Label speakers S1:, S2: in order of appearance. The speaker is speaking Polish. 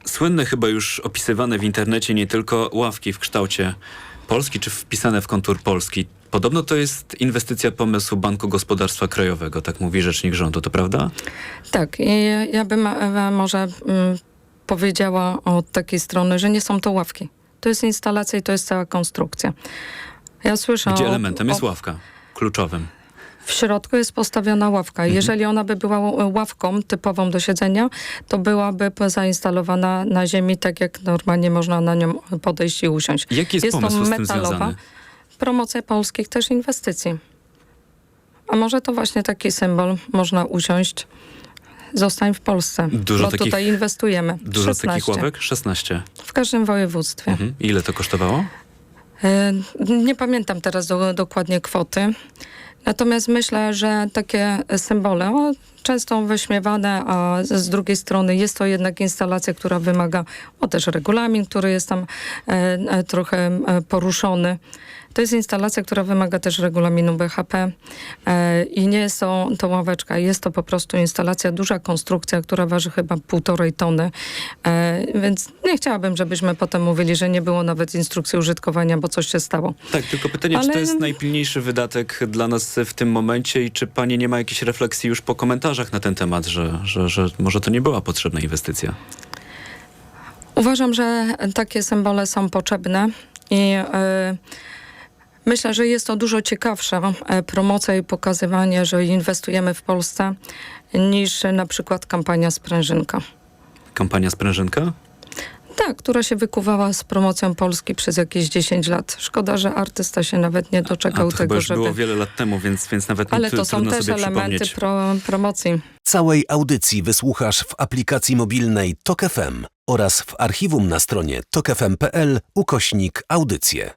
S1: Słynne chyba już opisywane w internecie nie tylko ławki w kształcie Polski, czy wpisane w kontur Polski. Podobno to jest inwestycja pomysłu Banku Gospodarstwa Krajowego, tak mówi rzecznik rządu, to prawda?
S2: Tak, i ja bym może powiedziała od takiej strony, że nie są to ławki. To jest instalacja i to jest cała konstrukcja. Ja słyszę
S1: Gdzie elementem jest ławka, kluczowym.
S2: W środku jest postawiona ławka. Jeżeli ona by była ławką typową do siedzenia, to byłaby zainstalowana na ziemi, tak jak normalnie można na nią podejść i usiąść.
S1: Jaki jest pomysł
S2: to
S1: z tym
S2: metalowa
S1: związany?
S2: promocja polskich też inwestycji. A może to właśnie taki symbol, można usiąść, zostań w Polsce,
S1: Dużo
S2: bo
S1: takich-
S2: tutaj inwestujemy.
S1: Dużo
S2: 16.
S1: takich ławek? 16.
S2: W każdym województwie.
S1: Ile to kosztowało?
S2: Nie pamiętam teraz dokładnie kwoty. Natomiast myślę, że takie symbole, często wyśmiewane, a z drugiej strony jest to jednak instalacja, która wymaga, też regulamin, który jest tam trochę poruszony. To jest instalacja, która wymaga też regulaminu BHP i nie jest to ławeczka, jest to po prostu instalacja, duża konstrukcja, która waży chyba 1,5 tony. Więc nie chciałabym, żebyśmy potem mówili, że nie było nawet instrukcji użytkowania, bo coś się stało.
S1: Tak, tylko pytanie, czy to jest najpilniejszy wydatek dla nas w tym momencie i czy pani nie ma jakiejś refleksji już po komentarzach na ten temat, że może to nie była potrzebna inwestycja?
S2: Uważam, że takie symbole są potrzebne i myślę, że jest to dużo ciekawsza promocja i pokazywanie, że inwestujemy w Polsce, niż na przykład kampania Sprężynka.
S1: Kampania Sprężynka?
S2: Tak, która się wykuwała z promocją Polski przez jakieś 10 lat. Szkoda, że artysta się nawet nie doczekał
S1: to chyba
S2: tego,
S1: już
S2: żeby...
S1: było wiele lat temu, więc nawet
S2: Ale to są
S1: trudno
S2: też
S1: sobie
S2: elementy
S1: przypomnieć.
S2: promocji.
S3: Całej audycji wysłuchasz w aplikacji mobilnej TOK FM oraz w archiwum na stronie tokefm.pl/audycje.